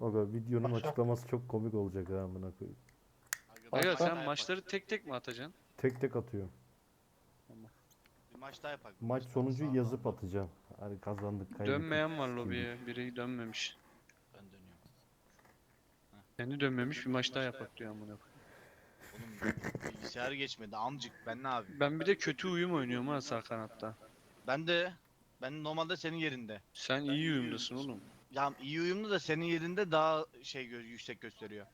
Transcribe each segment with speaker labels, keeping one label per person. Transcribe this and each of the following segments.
Speaker 1: Aga videonun açıklaması çok komik olacak ha amına koyayım.
Speaker 2: Aga sen maçları tek tek mi atacaksın?
Speaker 1: Tek tek atıyorum.
Speaker 2: Tamam.
Speaker 3: Bir maç daha yapak. Bir
Speaker 1: Maç
Speaker 3: maç daha.
Speaker 1: sonucu
Speaker 3: Sağ
Speaker 1: yazıp
Speaker 3: ol.
Speaker 1: atacağım. Hani kazandık kaybettik.
Speaker 2: Dönmeyen var
Speaker 1: gibi.
Speaker 2: lobiye. Biri dönmemiş.
Speaker 3: Ben dönüyorum.
Speaker 2: Kendi dönmemiş bir maç daha yapak diyor amına koyayım.
Speaker 3: Oğlum bilgisayar geçmedi amcık, ben ne yapayım?
Speaker 2: Ben bir de kötü uyum oynuyorum ha sağ kanatta.
Speaker 3: Ben de normalde senin yerinde.
Speaker 2: Sen iyi uyumdasın oğlum.
Speaker 3: Ya iyi uyumlu da senin yerinde daha yüksek gösteriyor.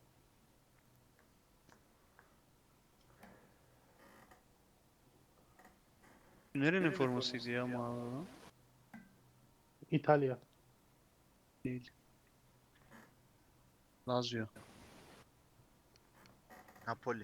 Speaker 2: Nerenin formasıydı ya mağazadan?
Speaker 4: İtalya.
Speaker 2: Değil. Lazio.
Speaker 3: Napoli.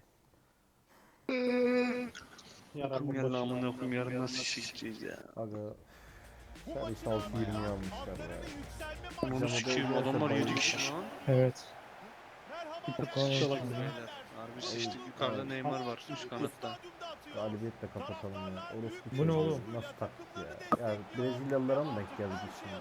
Speaker 2: Okum yarın amına koyayım yarın nasıl işe gideceğiz ya.
Speaker 1: Aga servis 6.20'ye almışlar ya.
Speaker 2: Onu sikeyim adamlar 7 kişi lan.
Speaker 4: Evet.
Speaker 2: Sıçtık beyler. Harbi sıçtık yukarıda Neymar var üst kanatta.
Speaker 1: Galibiyetle kapatalım ya. Orospu
Speaker 4: Bu ne
Speaker 1: çocuğu.
Speaker 4: oğlum?
Speaker 1: Nasıl taktik ya? Ya Brezilyalılara mı denk geldik şimdi?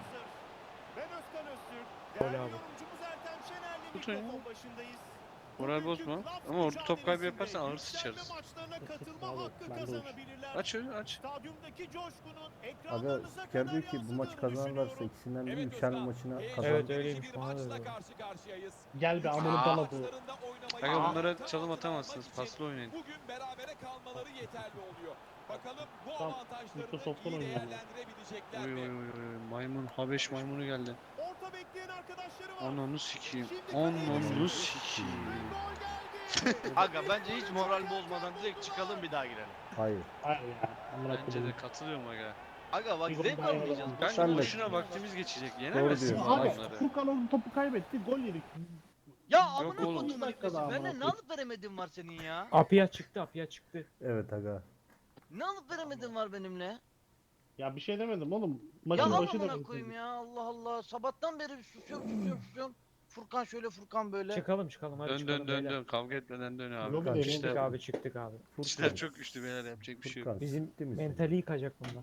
Speaker 4: Gol abi.
Speaker 2: Tutun ya. Moral bozma. Ama orada top kaybı yaparsan ağır sıçarız.
Speaker 4: Abi, ben de uç.
Speaker 2: Aç öyle aç.
Speaker 1: Aga spiker diyor ki bu maçı kazanırlarsa ikisinden biri yükselme maçına kazan.
Speaker 4: Evet öyleymiş bana da öyle. Gel be amını bana bu.
Speaker 2: Aga bunlara çalım atamazsınız. Paslı oynayın.
Speaker 5: Bugün berabere kalmaları yeterli oluyor. Bakalım bu
Speaker 4: Tam
Speaker 5: avantajlarını
Speaker 4: Microsoft'tan
Speaker 5: iyi
Speaker 4: oynuyor.
Speaker 5: değerlendirebilecekler
Speaker 2: Oy
Speaker 5: mi?
Speaker 2: oy oy oy. Maymun. Habeş maymunu geldi.
Speaker 6: Orta bekleyen arkadaşları var.
Speaker 2: Ananı sikeyim. Ananı sikeyim.
Speaker 3: Aga bence hiç moral bozmadan direkt çıkalım, bir daha girelim.
Speaker 1: Hayır.
Speaker 4: Hayır ya. Amına
Speaker 2: Bence
Speaker 4: koyayım.
Speaker 2: de katılıyorum aga.
Speaker 3: Aga bak
Speaker 4: Bir gol
Speaker 3: zevk
Speaker 4: daha
Speaker 3: almayacağız.
Speaker 4: yapalım.
Speaker 2: Kanka
Speaker 1: Sen de-
Speaker 2: boşuna vaktimiz geçecek.
Speaker 1: Doğru
Speaker 2: Yenemezsin bu
Speaker 1: diyorsun.
Speaker 4: Abi
Speaker 2: adamları.
Speaker 4: Furkan oğlum topu kaybetti. Gol yedik.
Speaker 3: Ya amına
Speaker 2: oğlum.
Speaker 3: koyduğum
Speaker 4: dakikada
Speaker 3: herifesi.
Speaker 4: amına
Speaker 3: Ben ne alıp veremediğim var senin ya?
Speaker 4: Apia çıktı, Apia çıktı.
Speaker 1: Evet aga.
Speaker 3: Ne alıp veremediğim var benimle?
Speaker 4: Ya bir şey demedim oğlum.
Speaker 3: Ya
Speaker 4: Maçın
Speaker 3: al
Speaker 4: başı da
Speaker 3: amına koyayım ya, Allah Allah. Sabahtan beri susuyorum. Furkan şöyle, Furkan böyle.
Speaker 7: Çıkalım hadi
Speaker 2: Dön
Speaker 7: çıkalım
Speaker 2: dön dön
Speaker 7: beyler.
Speaker 2: dön. Kavga etmeden dön abi.
Speaker 4: Lobi de
Speaker 2: İşler,
Speaker 7: Çıktık abi çıktık abi.
Speaker 2: işler çok güçlü beyler yapacak bir şey yok.
Speaker 1: Furkan
Speaker 7: Bizim
Speaker 1: sikti misin?
Speaker 7: mentali yıkacak bunlar.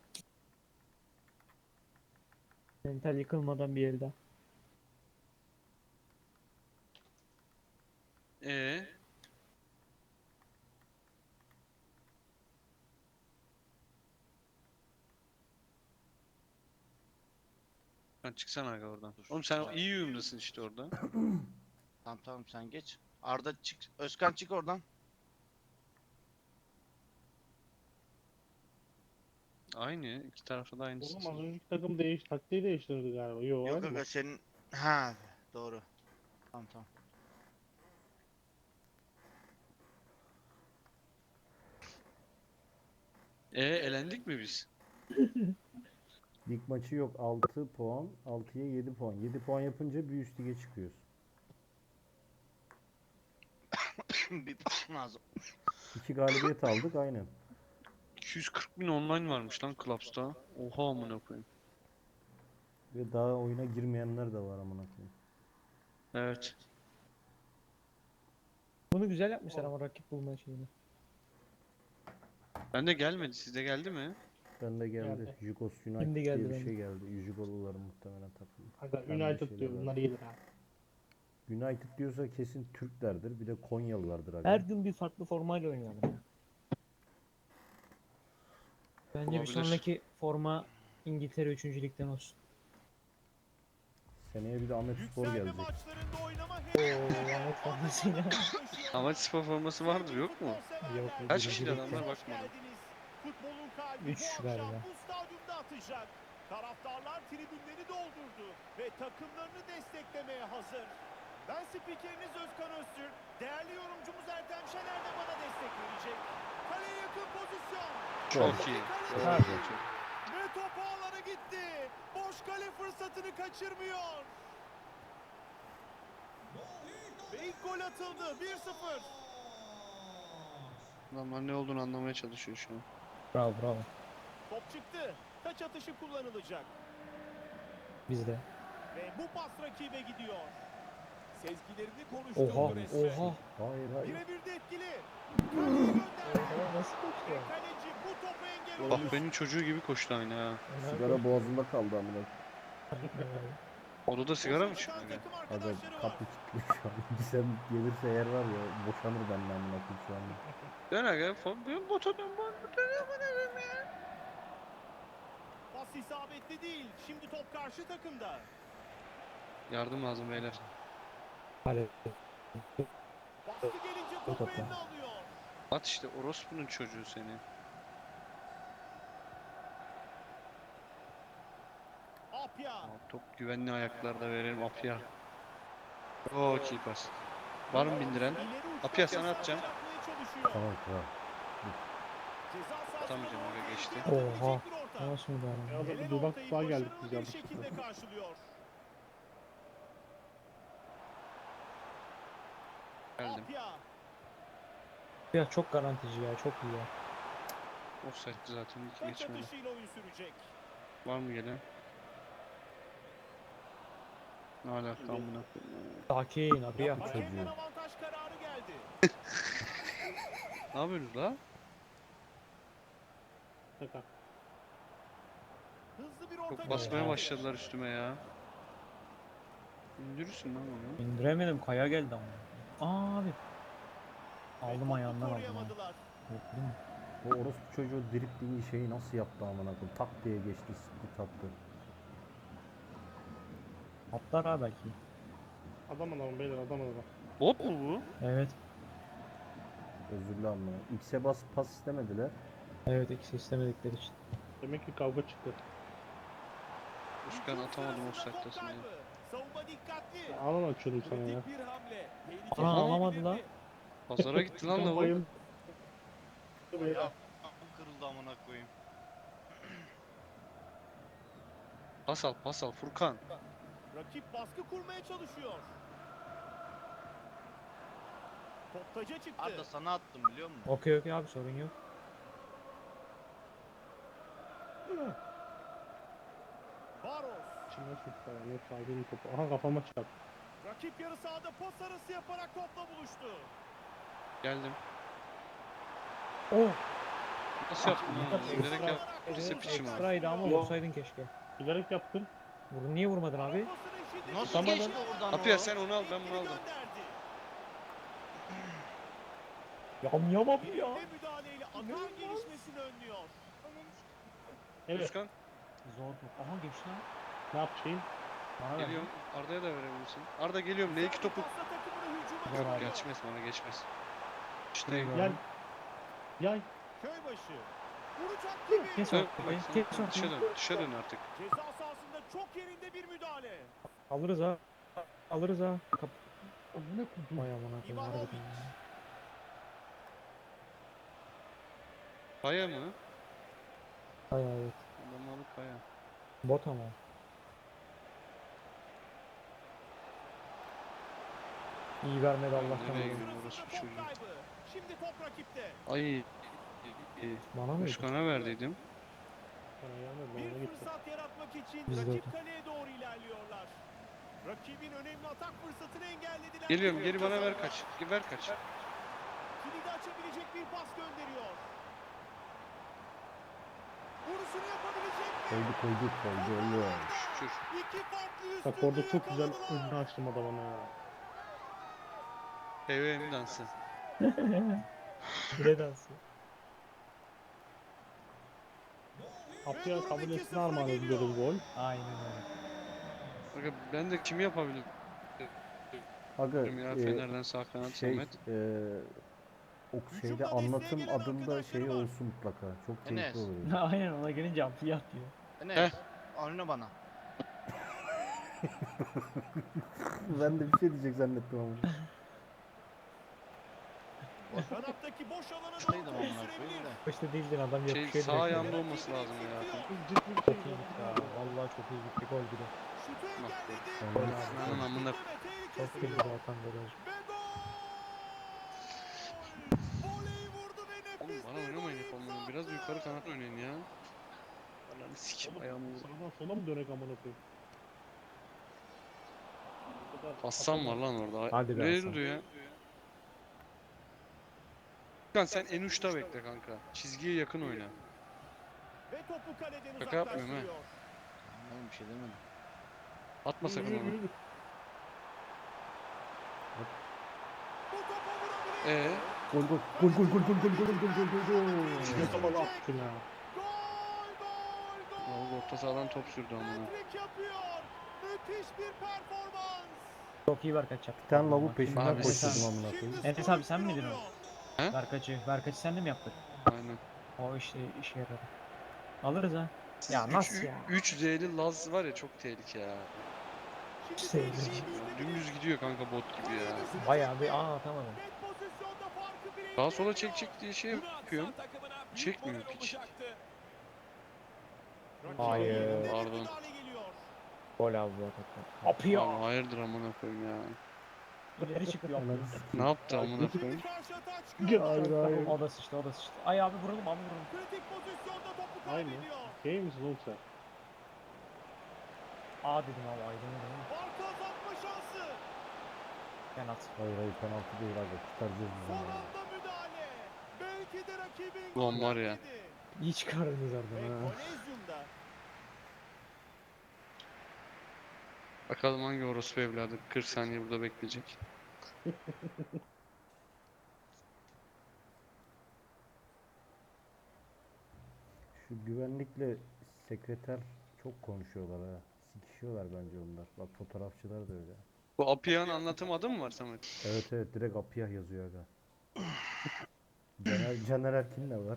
Speaker 7: Mental yıkılmadan bir yerde.
Speaker 2: Sen çıksana aga oradan. Oğlum sen iyi uyumdasın işte orada.
Speaker 3: Tamam sen geç. Arda çık. Özkan çık oradan.
Speaker 2: Aynı. İki tarafta da aynısı.
Speaker 4: Oğlum az önceki takım taktiği değiştirdi galiba. Yo,
Speaker 3: Yok
Speaker 4: aynı mı?
Speaker 3: aga senin. Ha doğru. Tamam.
Speaker 2: Elendik mi biz?
Speaker 1: Lig maçı yok. 6 puan. 6'ya 7 puan. 7 puan yapınca bir üst lige çıkıyoruz.
Speaker 3: Bir lazım.
Speaker 1: 2 galibiyet aldık aynen.
Speaker 2: 240 bin online varmış lan Clubs'ta. Oha amına koyayım.
Speaker 1: Ve daha oyuna girmeyenler de var amına koyayım.
Speaker 2: Evet.
Speaker 7: Bunu güzel yapmışlar ama rakip bulma şeyini.
Speaker 2: Bende gelmedi. Sizde geldi mi?
Speaker 1: Ben de geldi.
Speaker 4: Geldi.
Speaker 1: Jugos United
Speaker 7: Şimdi
Speaker 1: diye
Speaker 7: geldi
Speaker 1: bir
Speaker 7: bende.
Speaker 1: şey geldi. Jugoluların muhtemelen takımı.
Speaker 4: Aga
Speaker 1: Ben de
Speaker 4: United
Speaker 1: şeyler
Speaker 4: diyor
Speaker 1: var.
Speaker 4: bunlar iyidir ha.
Speaker 1: United diyorsa kesin Türklerdir. Bir de Konyalılardır abi.
Speaker 7: Her gün bir farklı formayla oynayalım ya. Bence bir
Speaker 2: Olabilir.
Speaker 7: sonraki forma İngiltere 3. Lig'den olsun.
Speaker 1: Seneye bir de Ahmet Spor
Speaker 6: Yükselme
Speaker 1: gelecek.
Speaker 6: maçlarında oynama
Speaker 7: Oo Ahmet formasıyla.
Speaker 2: Amaç spor forması vardır yok mu?
Speaker 7: Yok.
Speaker 2: Kaç
Speaker 7: birinci
Speaker 2: kişiler
Speaker 7: ligde.
Speaker 2: adamlar bakmadım.
Speaker 6: Futbolun kalbi
Speaker 7: Üç
Speaker 6: bu akşam
Speaker 7: galiba.
Speaker 6: bu stadyumda atacak. Taraftarlar tribünleri doldurdu ve takımlarını desteklemeye hazır. Ben spikeriniz Özkan Öztürk. Değerli yorumcumuz Ertem Şener de bana destek verecek. Kaleye yakın pozisyon.
Speaker 2: Çok iyi.
Speaker 6: Kaleye
Speaker 2: Çok
Speaker 6: yakın.
Speaker 2: iyi.
Speaker 6: Ve top ağlara gitti. Boş kale fırsatını kaçırmıyor. Ve ilk gol atıldı. 1-0.
Speaker 2: Adamlar ne olduğunu anlamaya çalışıyor şu an.
Speaker 7: Bravo.
Speaker 6: Top çıktı. Taç atışı kullanılacak.
Speaker 7: Bizde.
Speaker 6: Ve bu pas rakibe gidiyor. Sezgilerini konuşturdu
Speaker 7: Oha
Speaker 6: resmen.
Speaker 7: oha.
Speaker 1: Hayır.
Speaker 6: Birebir de etkili. Kaleye gönderdi.
Speaker 7: Oha nasıl koştu?
Speaker 6: Ve kaleci bu topu engel
Speaker 2: Bak
Speaker 6: oldu.
Speaker 2: benim çocuğu gibi koştu aynı ha.
Speaker 1: Sigara boğazında kaldı amına.
Speaker 2: Odada sigara mı içiyor?
Speaker 6: Takım
Speaker 1: Aga
Speaker 6: arkadaşları var.
Speaker 1: kapı kilitli şu an. Gizem gelirse eğer var ya boşanır benden amına koyayım şu anda.
Speaker 2: Dön aga. Ben bota dön.
Speaker 6: Pas isabetli değil. Şimdi top karşı takımda.
Speaker 2: Yardım lazım beyler.
Speaker 7: Hadi.
Speaker 6: Baskı gelince
Speaker 7: O
Speaker 6: topu
Speaker 7: topu.
Speaker 6: eline alıyor.
Speaker 2: At işte orospunun çocuğu seni.
Speaker 6: Apya.
Speaker 2: Top güvenli ayaklarda verelim Apya. Çok iyi pas. Var mı bindiren?
Speaker 6: İleri uçtan
Speaker 2: Apya sana atacağım.
Speaker 6: yapmaya çalışıyor.
Speaker 1: Tamam kral.
Speaker 6: Ceza sahasına
Speaker 2: Atamayacağım,
Speaker 6: doğru
Speaker 2: oraya geçti.
Speaker 6: tehlikeli
Speaker 7: Oha.
Speaker 6: olabilecek bir orta.
Speaker 7: Nasıl müdahale?
Speaker 4: Ya da
Speaker 6: Gelen
Speaker 4: bir dudak
Speaker 6: ortayı
Speaker 4: daha geldik
Speaker 6: başarılı
Speaker 4: biz
Speaker 6: bir
Speaker 4: yanlışlıkla.
Speaker 6: şekilde karşılıyor.
Speaker 2: Geldim.
Speaker 6: Apya.
Speaker 7: Ya çok garantici ya, çok iyi ya.
Speaker 2: Offside'di zaten hiç
Speaker 6: Taç
Speaker 2: geçmedi.
Speaker 6: atışıyla oyun sürecek.
Speaker 2: Var mı gelen? Ne alaka amına koyayım.
Speaker 7: Sakin abi ya.
Speaker 6: Hakemden avantaj kararı geldi.
Speaker 2: Ne yapıyorsunuz la?
Speaker 4: Şaka.
Speaker 6: Hızlı bir orta
Speaker 2: Çok basmaya
Speaker 6: geldi.
Speaker 2: başladılar üstüme ya. İndirirsin lan onu.
Speaker 7: İndiremedim, kaya geldi ama. Abi.
Speaker 6: Ve
Speaker 7: Aldım
Speaker 6: topu
Speaker 7: ayağından aldım ha.
Speaker 6: koruyamadılar.
Speaker 7: Korktum.
Speaker 1: O orospu çocuğu driplingi şeyi nasıl yaptı amına koyayım? Tak diye geçti, split attı.
Speaker 7: Atlar ha belki.
Speaker 4: Adam beyler adam.
Speaker 2: Bot mu bu?
Speaker 7: Evet.
Speaker 1: Özürlü amına. X'e bas pas istemediler.
Speaker 7: Evet, ikisi istemedikleri için.
Speaker 4: Demek ki kavga çıktı.
Speaker 2: Özkan atamadım
Speaker 6: Sırasında top
Speaker 2: offside'dasın ya.
Speaker 6: kaybı. Savunma dikkatli.
Speaker 4: Alan açıyordum sana ya.
Speaker 5: Kritik bir hamle. Tehlikeli
Speaker 7: Aa,
Speaker 5: olabilirdi.
Speaker 7: alamadılar.
Speaker 2: Pazara gitti lan lavuk.
Speaker 4: Bayıldı.
Speaker 3: Ya kırıldı amına koyayım.
Speaker 2: Pas al Furkan.
Speaker 6: Rakip baskı kurmaya çalışıyor. Top taca çıktı.
Speaker 3: Arda sana attım biliyor musun?
Speaker 7: Okey abi, sorun yok.
Speaker 6: Baros.
Speaker 4: İçimden çıktı ya. Yok sahibinin topu. Aha kafama çarptı.
Speaker 6: Rakip yarı sahada pas arası yaparak topla buluştu.
Speaker 2: Geldim.
Speaker 7: Oh!
Speaker 2: Nasıl yaptın lan?
Speaker 7: Ekstra-
Speaker 2: Bilerek yap. Lise piçim abi.
Speaker 7: Ekstraydı ama vursaydın keşke.
Speaker 4: Bilerek yaptım.
Speaker 7: Niye vurmadın abi?
Speaker 6: Pasının şiddeti
Speaker 3: Nasıl
Speaker 6: geçti.
Speaker 3: geçti oradan
Speaker 2: Apya
Speaker 3: o?
Speaker 2: sen onu al ben bunu
Speaker 6: İlkini
Speaker 2: aldım.
Speaker 6: gönderdi.
Speaker 7: Yam abi ya.
Speaker 6: Ve müdahaleyle atar gelişmesini önlüyor.
Speaker 4: Evet.
Speaker 2: Özkan
Speaker 7: Zor top. Aha geçti lan.
Speaker 4: Ne yapayım?
Speaker 7: Bana ver.
Speaker 2: geliyorum. Arda'ya da verebilirsin. Arda geliyorum. L2 topu.
Speaker 6: Pasla takımını hücuma
Speaker 7: Ver abi.
Speaker 6: çekiyor.
Speaker 2: Geçmez bana geçmez. İşte
Speaker 7: Ver.
Speaker 4: Gel. Yay.
Speaker 6: Köybaşı. Vuruş hattı gibi.
Speaker 7: Kes
Speaker 2: dön.
Speaker 7: ortayı.
Speaker 2: Bak
Speaker 7: Kes
Speaker 2: sen dışa
Speaker 7: ortayı.
Speaker 2: dön. Dışa dön artık.
Speaker 6: Ceza sahasında çok yerinde bir müdahale.
Speaker 7: Alırız ha. Alırız ha. Kap. Ne kurdun? Vay amına koyayım
Speaker 6: Ivanovic.
Speaker 7: harbiden ya.
Speaker 2: Kaya mı?
Speaker 7: Ay evet.
Speaker 2: Adamalı kaya.
Speaker 7: Bot ama. İyi vermedi Allah'tan.
Speaker 2: Nereye
Speaker 7: olsun.
Speaker 2: gidiyor orası
Speaker 6: Sırasında
Speaker 2: bir
Speaker 6: top
Speaker 2: çocuğu.
Speaker 6: kaybı. Şimdi top rakipte.
Speaker 2: Ay.
Speaker 7: Bana mıydı?
Speaker 2: Özkan'a verdiydim.
Speaker 4: Bana gelmedi. Bana
Speaker 6: Bir
Speaker 4: gitti.
Speaker 6: fırsat yaratmak için
Speaker 7: Biz de
Speaker 6: rakip
Speaker 7: öyle.
Speaker 6: kaleye doğru ilerliyorlar. Rakibin önemli atak fırsatını engellediler.
Speaker 2: Geliyorum geri bana ver kaç. Ver kaç.
Speaker 6: Kilidi açabilecek bir pas gönderiyor. Vuruşunu yapabilecek mi?
Speaker 1: Koydu oluyor.
Speaker 2: Şükür.
Speaker 6: İki farklı üstünlüğü
Speaker 4: Bak orada çok güzel
Speaker 6: yakaladılar.
Speaker 4: önünü açtım adamına ya.
Speaker 2: PVM dansı.
Speaker 7: Bire dansı.
Speaker 4: Apya kabul etsin armağan ediyoruz gol.
Speaker 7: Aynen öyle.
Speaker 2: Bakın ben de kimi yapabilirim
Speaker 1: Aga
Speaker 2: ya Fener'den sağ kanat
Speaker 1: şey
Speaker 2: Samet.
Speaker 1: o şeyde anlatım adında şey olsun mutlaka. Çok keyifli
Speaker 3: Enes.
Speaker 1: olur.
Speaker 7: Aynen, ona gelince amfiye atıyor.
Speaker 3: Enes. Oyna bana.
Speaker 1: Ben de bir şey diyecek zannettim ama.
Speaker 6: Kanattaki boş alana
Speaker 3: Şuradaydım
Speaker 6: doğru
Speaker 3: amına
Speaker 6: sürebilir.
Speaker 3: koyayım da.
Speaker 7: İşte değildin adam
Speaker 2: Şey
Speaker 7: yapışıyor
Speaker 2: sağ
Speaker 7: direkt.
Speaker 2: ayağımda olması lazım ya.
Speaker 7: Çok iyi gitti ha. Vallahi çok iyi gitti, gol gibi.
Speaker 6: Şutu engelledi.
Speaker 1: Vallahi.
Speaker 2: Ananın amına.
Speaker 6: Ve
Speaker 7: Çok
Speaker 6: tehlikesi
Speaker 7: iyi
Speaker 6: yok.
Speaker 7: zaten golaj.
Speaker 6: Ve gol! Voleyi vurdu ve
Speaker 2: Oğlum
Speaker 6: nefis
Speaker 2: bana
Speaker 6: bir
Speaker 2: oynamayın
Speaker 6: gol
Speaker 2: hep
Speaker 6: imza
Speaker 2: onları. Biraz
Speaker 6: attı.
Speaker 2: yukarı kanat oynayın ya. Ananı sikim ayağımı.
Speaker 4: Sağdan sola mı dönek amına koyayım? Bu kadar
Speaker 2: Hasan var lan orada.
Speaker 7: Hadi be
Speaker 2: Nereye
Speaker 7: Hasan.
Speaker 2: duruyor ya? Furkan sen en uçta bekle kanka. Çizgiye yakın oyna.
Speaker 6: Ve topu kaleden
Speaker 2: Şaka yapmıyorum ha.
Speaker 6: uzaklaştırıyor.
Speaker 3: Oğlum bir şey demedim.
Speaker 2: Atma sakın onu.
Speaker 6: Bu topa vurabilir.
Speaker 1: Gol gol gol gol gol gol gol gol gol gol gol gol.
Speaker 7: Ne zaman attın ya?
Speaker 6: Gol gol
Speaker 2: Oğlum
Speaker 6: gol.
Speaker 2: orta sahadan top sürdü amına.
Speaker 6: Hat-trick yapıyor. Müthiş bir performans.
Speaker 8: Çok iyi Berkaç yaptı.
Speaker 1: Bir tane lavuk peşinden
Speaker 2: Abi,
Speaker 1: koşturdum amına
Speaker 6: Şimdi
Speaker 1: koyayım.
Speaker 8: Enes
Speaker 6: skor
Speaker 8: abi sen
Speaker 6: 1-1
Speaker 8: miydin o?
Speaker 6: oluyor.
Speaker 2: He?
Speaker 8: Berkaç'ı sen de mi yaptık?
Speaker 2: Aynen.
Speaker 8: O işte işe yaradı. Alırız ha. Ya nasıl ya?
Speaker 2: 3 Z'li Laz var ya çok tehlike ya.
Speaker 6: Şimdi
Speaker 8: Sevdim.
Speaker 6: tehlikeyi büyütebilir.
Speaker 2: Dümdüz gidiyor kanka bot gibi ya.
Speaker 8: Bayağı bir atamadım.
Speaker 6: Net pozisyonda farkı bire
Speaker 2: Sağa sola
Speaker 6: indiriyor.
Speaker 2: çek diye şey
Speaker 5: Bunu atsa
Speaker 2: yapıyorum.
Speaker 5: takımına büyük
Speaker 2: Çekmiyor
Speaker 5: moral
Speaker 2: piç.
Speaker 5: olacaktı.
Speaker 6: Rakibin
Speaker 8: Hayır.
Speaker 6: yerinde bir
Speaker 2: Pardon.
Speaker 6: müdahale geliyor.
Speaker 8: Gol aldı zaten. Apıyor.
Speaker 2: Abi hayırdır amına koyayım ya.
Speaker 8: İleri çıkıyor.
Speaker 2: Ne yaptı amına
Speaker 6: Şimdi
Speaker 2: koyayım?
Speaker 6: karşı atağa çıkıyor.
Speaker 7: Hayır hayır.
Speaker 8: O da sıçtı, o da sıçtı. Ay abi vuralım, abi vuralım.
Speaker 6: Kritik pozisyonda topu
Speaker 7: Aynı.
Speaker 6: kaybediyor.
Speaker 7: Şey misin oğlum sen?
Speaker 8: Aa dedim abi, aydın.
Speaker 6: Farkı azaltma şansı.
Speaker 8: Penaltı.
Speaker 1: Hayır hayır penaltı değil abi. Kurtaracağız biz
Speaker 6: Son
Speaker 1: onu.
Speaker 6: anda müdahale. Belki de rakibin
Speaker 2: Ulan
Speaker 6: golü
Speaker 2: var ya.
Speaker 6: önledi.
Speaker 8: İyi çıkardınız
Speaker 6: Ve
Speaker 8: oradan ha.
Speaker 6: Kolezyum'da
Speaker 2: Bakalım hangi orospu evladı 40 saniye burada bekleyecek.
Speaker 1: Şu güvenlikle sekreter çok konuşuyorlar ha. Sikişiyorlar bence onlar. Bak fotoğrafçılar da öyle.
Speaker 2: Bu Apiyah'ın anlatım adı mı var Samet?
Speaker 1: Evet direkt Apiyah yazıyor aga. Caner Erkin de var.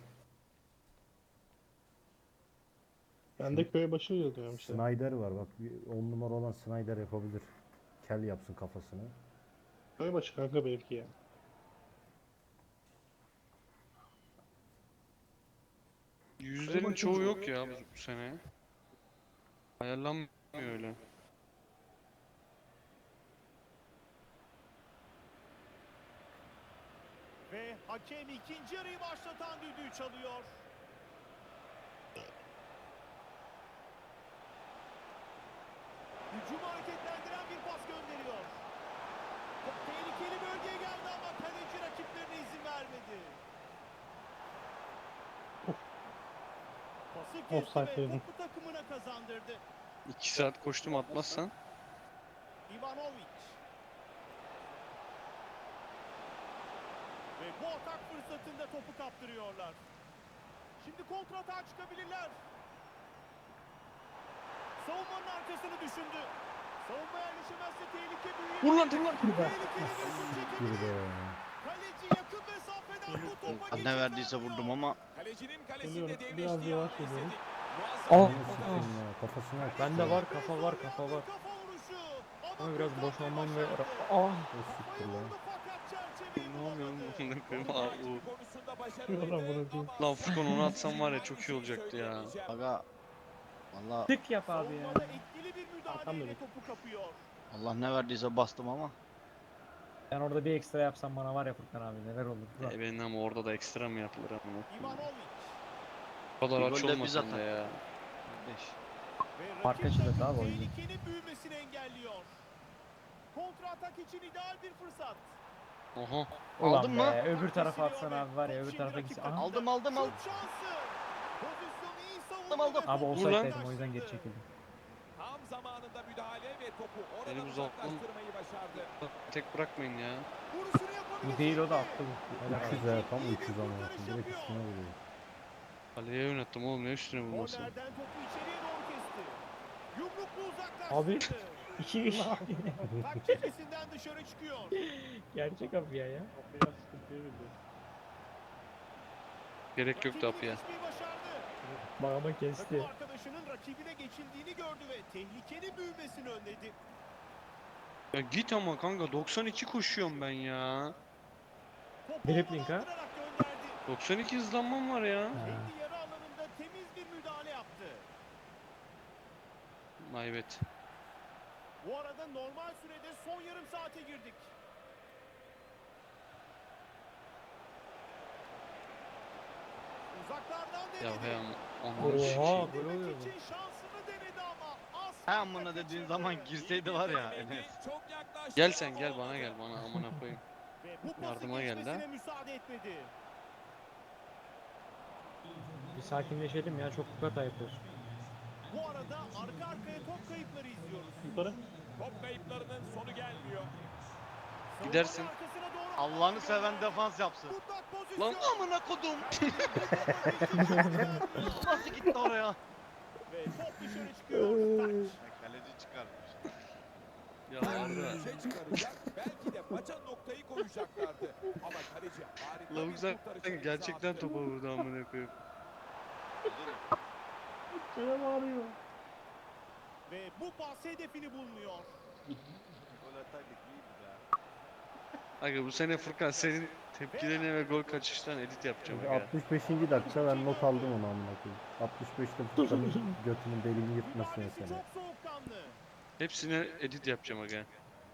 Speaker 7: Ben de köye başı yazıyorum işte.
Speaker 1: Snyder var bak 10 numara olan Snyder yapabilir. Kel yapsın kafasını.
Speaker 7: Köy başı kanka belki ya.
Speaker 2: Yüzlerin çoğu yok ya bu sene. Ayarlanmıyor öyle.
Speaker 6: ve hakem ikinci yarıyı başlatan düdüğü çalıyor. Hücumu hareketlendiren bir pas gönderiyor. Top tehlikeli bölgeye geldi ama kaleci rakiplerine izin vermedi. Pası kesti
Speaker 7: Offside
Speaker 6: ve
Speaker 7: dedim.
Speaker 6: topu takımına kazandırdı.
Speaker 2: 2 saat koştum atmazsan.
Speaker 6: Ivanovic. Ve bu atak fırsatında topu kaptırıyorlar. Şimdi kontratağa çıkabilirler. Savunmanın arkasını düşündü. Savunma yerleşemezse tehlike büyüyebilir.
Speaker 2: Vur lan dur lan.
Speaker 6: Tehlikeli bir şut
Speaker 1: Bir
Speaker 6: çekebilir.
Speaker 1: de.
Speaker 6: Kaleci yakın mesafeden bu topa geçit
Speaker 3: Ne verdiyse
Speaker 6: vermiyor.
Speaker 3: vurdum ama
Speaker 5: Kalecinin kalesinde
Speaker 7: Geliyorum,
Speaker 5: devre
Speaker 7: biraz
Speaker 5: işleyen
Speaker 7: yavaş
Speaker 5: bir
Speaker 7: geliyorum.
Speaker 5: izledik.
Speaker 8: Aa!
Speaker 5: Muazzam bir
Speaker 1: Nasıl
Speaker 5: fotoğraf.
Speaker 1: ya? Kafasına at.
Speaker 8: Bende var, kafa var, kafa var.
Speaker 6: Kafa vuruşu.
Speaker 8: Ama biraz
Speaker 6: kurtarmayı
Speaker 8: boşalmam ve...
Speaker 6: başardı.
Speaker 8: Aa!
Speaker 1: O siktir lan.
Speaker 6: Vurdu fakat çerçeveyi
Speaker 2: Ne oluyor oğlum
Speaker 6: bulamadı.
Speaker 2: amına koyayım? Aa,
Speaker 5: Takibi
Speaker 2: u.
Speaker 5: konusunda
Speaker 7: Ulan
Speaker 5: başarılıydı
Speaker 7: bunu diyeyim.
Speaker 5: ama
Speaker 2: Lan Furkan onu atsam var ya çok iyi olacaktı ya.
Speaker 3: aga valla
Speaker 8: Tık yap abi ya.
Speaker 6: Savunmada etkili bir müdahaleyle
Speaker 7: Atamıyorum.
Speaker 6: topu kapıyor.
Speaker 3: Allah ne verdiyse bastım ama
Speaker 8: Ben orada bir ekstra yapsam bana var ya Furkan abi, neler olur.
Speaker 2: E benim ama orada da ekstra mı yapılır amına koyayım?
Speaker 6: Ivanovic.
Speaker 2: O kadar
Speaker 3: Bir
Speaker 2: aç
Speaker 3: gol de biz
Speaker 2: olmasın da
Speaker 3: atar.
Speaker 2: ya.
Speaker 3: kardeş.
Speaker 6: Ve
Speaker 8: Fark
Speaker 6: rakip
Speaker 8: açılır
Speaker 6: takım
Speaker 8: abi o yüzden.
Speaker 6: tehlikenin büyümesini engelliyor. Kontra atak için ideal bir fırsat.
Speaker 2: Oha.
Speaker 8: Ulan
Speaker 3: Aldın
Speaker 8: be,
Speaker 3: mı?
Speaker 8: öbür tarafa
Speaker 6: Kesiliyor
Speaker 8: atsan
Speaker 6: ve
Speaker 8: abi var ya,
Speaker 6: top
Speaker 8: öbür
Speaker 6: şimdi
Speaker 8: tarafa
Speaker 6: rakip
Speaker 8: gitsin.
Speaker 6: takımda.
Speaker 8: Aha.
Speaker 3: Aldım aldım aldım.
Speaker 6: Şut şansı. Pozisyonu iyi savundu
Speaker 3: Aldım.
Speaker 6: ve
Speaker 8: Abi
Speaker 6: topu
Speaker 8: olsaydaydım o
Speaker 6: uzaklaştırdı.
Speaker 8: yüzden geri çekildim.
Speaker 5: tam zamanında müdahale ve topu oradan
Speaker 2: Benim zaten-
Speaker 5: uzaklaştırmayı başardı.
Speaker 2: Tek bırakmayın ya.
Speaker 6: Vuruşunu yapabilir
Speaker 8: Bu değil, o da
Speaker 6: şimdi.
Speaker 8: attı bu. Helal abi.
Speaker 1: 300 ha tam
Speaker 6: İyi bir
Speaker 1: 300 ama
Speaker 6: kurtarış
Speaker 1: direkt
Speaker 6: yapıyor.
Speaker 1: üstüne vuruyor.
Speaker 2: Kaleye yönetim oğlum ne üstüne vurması.
Speaker 6: Kornerden topu içeriye doğru kesti. Yumruklu
Speaker 8: Abi.
Speaker 6: uzaklaştırdı.
Speaker 8: 2 iş.
Speaker 6: Tak çizgisinden dışarı çıkıyor.
Speaker 8: Gerçek abi ya.
Speaker 7: Kafaya sıkıntıya girdi.
Speaker 2: Gerek yoktu
Speaker 6: Rakibini
Speaker 2: Apia.
Speaker 6: geçmeyi başardı.
Speaker 8: Bağıma
Speaker 6: Takım
Speaker 8: kesti.
Speaker 6: arkadaşının rakibine geçildiğini gördü ve tehlikenin büyümesini önledi.
Speaker 2: Ya git ama kanka 92 koşuyorum ben ya.
Speaker 6: Topu
Speaker 8: Dribbling ha?
Speaker 6: havalandırarak gönderdi.
Speaker 2: 92 hızlanmam var ya.
Speaker 6: Kendi yarı alanında temiz bir müdahale yaptı.
Speaker 2: Maybet.
Speaker 6: Bu arada normal sürede son yarım saate girdik. Uzaklardan
Speaker 2: Ya
Speaker 6: denedi.
Speaker 2: he ama. Aman
Speaker 8: Oha,
Speaker 2: sikeyim.
Speaker 8: gol oluyor
Speaker 6: Demek
Speaker 8: bu.
Speaker 6: için şansını denedi ama asla
Speaker 3: He amına dediğin
Speaker 6: kaçırdı.
Speaker 3: zaman girseydi var ya
Speaker 5: Denemedi,
Speaker 3: Enes.
Speaker 5: çok yaklaştı
Speaker 2: Gel
Speaker 5: ama
Speaker 2: sen gel bana
Speaker 5: olmadı.
Speaker 2: gel bana amına koyayım.
Speaker 6: Ve bu pası
Speaker 2: Yardıma geldi
Speaker 6: geçmesine
Speaker 2: ha.
Speaker 6: müsaade etmedi.
Speaker 8: Bir sakinleşelim ya, çok hata yapıyoruz.
Speaker 6: Bu arada arka arkaya top kayıpları izliyoruz.
Speaker 7: Yukarı.
Speaker 5: Top kayıplarının sonu gelmiyor.
Speaker 2: Gidersin.
Speaker 6: Savunmanın arkasına doğru
Speaker 3: Allah'ını seven defans yapsın.
Speaker 6: mutlak pozisyon.
Speaker 2: Lan
Speaker 3: Amına kodum. Nasıl gitti oraya?
Speaker 6: Ve top dışarı çıkıyor. Taç.
Speaker 3: Kaleci çıkarmış.
Speaker 2: Ya Arda.
Speaker 5: Şey çıkaracak. Belki de maça noktayı koyacaklardı. Ama kaleci harika
Speaker 2: Lavuk
Speaker 5: bir
Speaker 2: zaten
Speaker 5: kurtarıcı
Speaker 2: gerçekten
Speaker 5: imza attı.
Speaker 2: topa vurdu amına koyayım.
Speaker 7: Şöyle bağırıyor.
Speaker 6: Ve bu pas hedefini bulmuyor.
Speaker 3: Gol ataydık iyiydi be.
Speaker 2: Aga bu sene Furkan senin tepkilerine ve gol kaçıştan edit yapacağım aga.
Speaker 1: 65. dakika ben not aldım onu amına koyayım. 65'te Furkan'ın götünün deliğini yırtması
Speaker 6: Müdahalesi
Speaker 1: mesela.
Speaker 6: çok soğukkanlı.
Speaker 2: Hepsine edit yapacağım aga.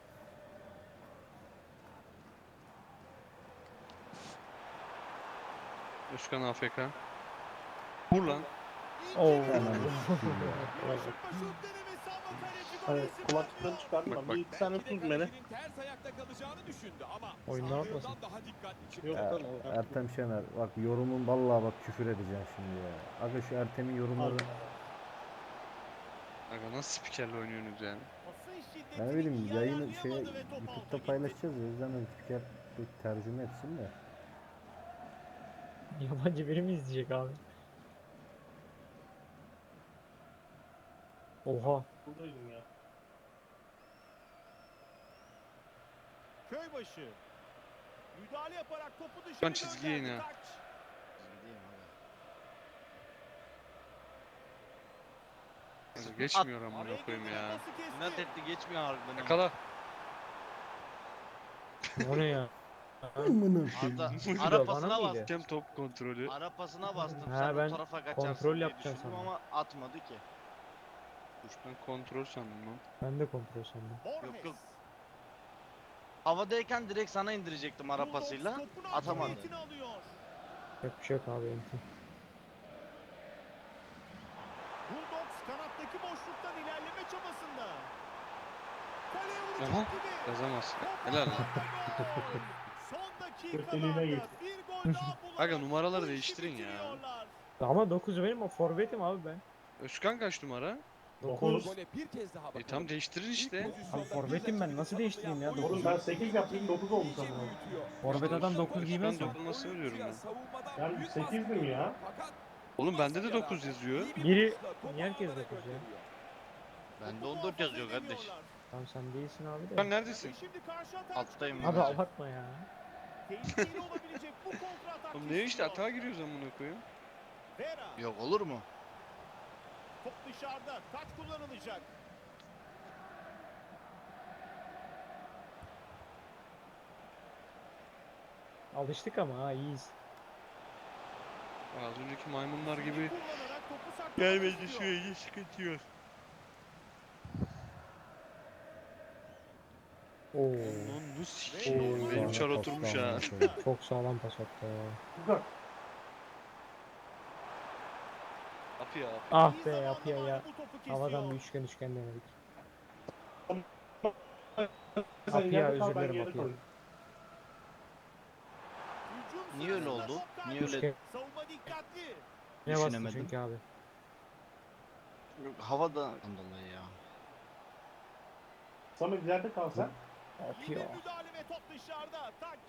Speaker 2: Özkan AFK. Vur lan.
Speaker 7: Oo.
Speaker 1: Ananı sikeyim ya.
Speaker 6: Şut denemesi ama kaleci gol
Speaker 7: Evet,
Speaker 6: isim
Speaker 7: kulaklıkları
Speaker 6: atmıyor.
Speaker 7: çıkardım.
Speaker 2: Bak,
Speaker 7: Ben bir iki tane
Speaker 5: Belki de
Speaker 7: tutun beni.
Speaker 5: kalecinin ters ayakta kalacağını düşündü ama
Speaker 7: Oyunu
Speaker 5: sandığından
Speaker 7: atmasın.
Speaker 5: daha dikkatli çıktı.
Speaker 7: Yok
Speaker 1: Ya,
Speaker 7: lan o.
Speaker 1: Ertem Şener bak yorumun vallahi bak küfür edeceğim şimdi ya. Aga şu Ertem'in yorumları
Speaker 2: Aga nasıl spikerle oynuyorsunuz yani?
Speaker 6: Pasın şiddetini
Speaker 1: ben ne bileyim
Speaker 6: iyi
Speaker 1: yayını
Speaker 6: ayarlayamadı ve top
Speaker 1: YouTube'da
Speaker 6: alta gitti.
Speaker 1: paylaşacağız ya. O yüzden ben spiker bir tercüme etsin de.
Speaker 8: Yabancı biri mi izleyecek abi? Oha.
Speaker 7: Buradaydım ya.
Speaker 6: Köybaşı. Müdahale yaparak topu dışarı
Speaker 2: Ben çizgiye
Speaker 6: gönderdi.
Speaker 2: ine.
Speaker 6: Taç.
Speaker 2: Aga geçmiyor amına
Speaker 6: Araya
Speaker 2: koyayım
Speaker 6: girdi ve
Speaker 2: ya.
Speaker 6: pası kesti.
Speaker 3: İnat etti geçmiyor harbiden. ama.
Speaker 2: Yakala.
Speaker 8: O ne ya?
Speaker 1: Amına
Speaker 3: Arda
Speaker 8: Muydu o,
Speaker 3: ara
Speaker 8: bana
Speaker 3: pasına
Speaker 8: mıydı?
Speaker 3: bas.
Speaker 2: Hakem top kontrolü.
Speaker 3: Ara pasına bastım.
Speaker 8: Ha,
Speaker 3: Sen
Speaker 8: ben
Speaker 3: o tarafa kaçarsın
Speaker 8: kontrol
Speaker 3: diye
Speaker 8: yapacağım
Speaker 3: düşündüm
Speaker 8: sandım.
Speaker 3: ama atmadı ki.
Speaker 2: Ben kontrol sandım lan.
Speaker 8: Ben de kontrol sandım.
Speaker 6: Borges.
Speaker 3: Yok, yok. Havadayken direkt sana indirecektim ara
Speaker 6: Bulldogs
Speaker 3: pasıyla.
Speaker 6: topun
Speaker 3: Atamadı.
Speaker 6: hakimiyetini alıyor.
Speaker 8: Yok bir şey yok abi enti.
Speaker 6: Bulldogs kanattaki boşluktan ilerleme çabasında. Kaleye vuracak
Speaker 2: Aha,
Speaker 6: gibi.
Speaker 2: yazamaz.
Speaker 6: Top
Speaker 2: Helal lan.
Speaker 6: ağlarda gol. Son
Speaker 7: Deliğine
Speaker 6: dakikalarda
Speaker 7: git.
Speaker 6: bir gol daha bularak
Speaker 2: Aga numaraları
Speaker 6: bu işi
Speaker 2: değiştirin ya.
Speaker 6: bitiriyorlar.
Speaker 8: Ama 9 benim o forvetim abi ben.
Speaker 2: Özkan kaç numara?
Speaker 8: 9.
Speaker 5: Gole bir kez daha bakalım.
Speaker 2: Tam değiştirin işte.
Speaker 5: İlk pozisyonda
Speaker 8: Abi forvetim ben, nasıl değiştireyim ya?
Speaker 7: Oğlum ben 8 yaptım 9 oldu
Speaker 5: iyice
Speaker 7: sanırım.
Speaker 5: büyütüyor.
Speaker 8: Forvet adam 9 giymez mi?
Speaker 2: Özkan dokunmasını diyorum ben.
Speaker 5: Savunmadan
Speaker 7: Ben
Speaker 5: büyük
Speaker 7: 8'dim
Speaker 5: baskı
Speaker 7: ya.
Speaker 5: fakat
Speaker 2: Oğlum bende de
Speaker 5: masaya
Speaker 2: 9
Speaker 5: rağmen
Speaker 2: yazıyor.
Speaker 5: iyi bir
Speaker 8: Biri-
Speaker 5: vuruşla topu
Speaker 8: niye herkes
Speaker 5: ağlara
Speaker 8: 9 ya?
Speaker 5: gönderiyor.
Speaker 3: Bende
Speaker 6: Topu
Speaker 3: 14 yazıyor
Speaker 6: muhafaza
Speaker 3: kardeş.
Speaker 6: edemiyorlar.
Speaker 8: Tamam sen değilsin abi
Speaker 2: Sen
Speaker 8: de.
Speaker 2: neredesin?
Speaker 6: Şimdi karşı atak
Speaker 3: Alttayım
Speaker 6: çıkıyor.
Speaker 8: Abi abartma ya.
Speaker 6: Tehlikeli olabilecek bu kontra atak.
Speaker 2: Oğlum ne işte
Speaker 6: istiyor.
Speaker 2: atağa giriyoruz amına koyayım.
Speaker 6: Vera.
Speaker 3: Yok olur mu?
Speaker 6: Top dışarıda. Taç kullanılacak.
Speaker 8: Alıştık ama ha iyiyiz.
Speaker 2: Az önceki maymunlar gibi
Speaker 6: Kullanarak topu saklamak
Speaker 2: gelmedi
Speaker 6: istiyor.
Speaker 2: sürece sıkıntı yok.
Speaker 8: Oo.
Speaker 2: Onu sikeyim.
Speaker 8: Oo.
Speaker 2: Benim çar oturmuş ha.
Speaker 8: Çok sağlam pas attı ya.
Speaker 7: Güzel.
Speaker 2: Apı ya.
Speaker 8: Ah
Speaker 6: İyi
Speaker 8: be
Speaker 6: zamanlamayla
Speaker 8: yapıyor ya.
Speaker 6: bu topu kesiyor.
Speaker 8: Havadan bir üçgen denedik.
Speaker 7: Sen
Speaker 8: Apia,
Speaker 7: yerde kal,
Speaker 8: özür
Speaker 7: ben
Speaker 8: dilerim,
Speaker 7: yerde
Speaker 8: Apia.
Speaker 7: kalayım.
Speaker 6: Hücum
Speaker 3: Niye öyle
Speaker 6: sırasında
Speaker 3: oldu?
Speaker 6: top kaybı.
Speaker 3: Niye öyle?
Speaker 8: Üçgen.
Speaker 6: Savunma dikkatli.
Speaker 8: Ne bastı
Speaker 3: Düşünemedim.
Speaker 8: çünkü abi.
Speaker 3: Yok, havada dolayı ya.
Speaker 7: Samet ileride kal sen.
Speaker 6: İyi bir
Speaker 8: Yapıyor.
Speaker 6: müdahale ve top dışarıda. Taç.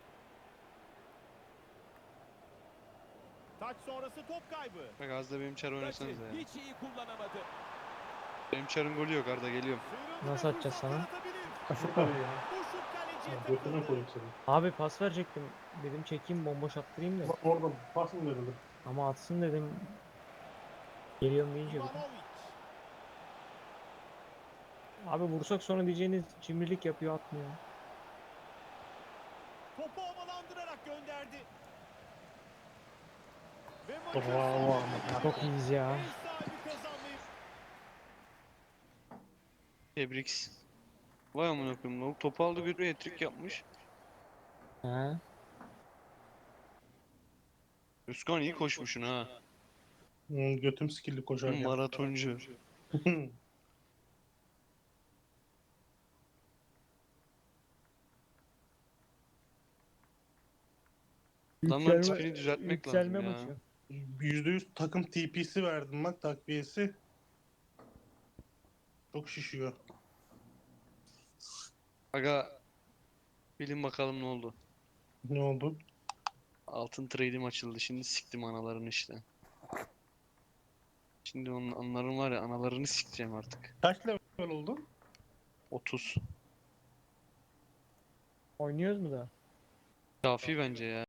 Speaker 6: Taç sonrası top kaybı.
Speaker 2: Bak az da benim çar oynasanız ya.
Speaker 5: Hiç iyi kullanamadı.
Speaker 2: Benim çarın golü yok Arda geliyorum.
Speaker 6: Sıyrıldı
Speaker 8: Nasıl
Speaker 6: ve
Speaker 8: atacağız
Speaker 6: fırsat
Speaker 8: sana?
Speaker 6: yaratabilir.
Speaker 7: Aşık arıyor ya.
Speaker 6: Bu şut kaleciye
Speaker 7: Götüne
Speaker 6: takıldı.
Speaker 7: koyayım seni.
Speaker 8: Abi pas verecektim. Dedim çekeyim bomboş attırayım da.
Speaker 7: Bak orada pas mı verildi?
Speaker 8: Ama atsın dedim. Geliyorum deyince bir.
Speaker 6: Ivanovic.
Speaker 8: Abi vursak sonra diyeceğiniz cimrilik yapıyor atmıyor.
Speaker 6: Topu havalandırarak gönderdi. Ve
Speaker 7: Bravo
Speaker 6: maçın
Speaker 7: ama.
Speaker 8: Çok iyiyiz ya.
Speaker 6: ev sahibi kazanmayı
Speaker 2: Tebrik. Vay amına koyayım. Lavuk topu aldı götürüyor hat-trick yapmış.
Speaker 8: He.
Speaker 2: Özkan iyi koşmuşsun ha.
Speaker 7: Götüm skilli koşarken.
Speaker 2: Maratoncu. Adamların tipini düzeltmek lazım
Speaker 8: Yükselme
Speaker 2: ya.
Speaker 8: maçı.
Speaker 7: %100 takım TP'si verdim bak takviyesi.
Speaker 9: Çok şişiyor.
Speaker 2: Aga bilin bakalım ne oldu.
Speaker 9: Ne oldu?
Speaker 2: Altın trade'im açıldı. Şimdi siktim analarını işte. Şimdi onların var ya analarını sikeceğim artık.
Speaker 9: Kaç level oldun?
Speaker 2: 30.
Speaker 7: Oynuyoruz mu da?
Speaker 2: Kafi bence ya.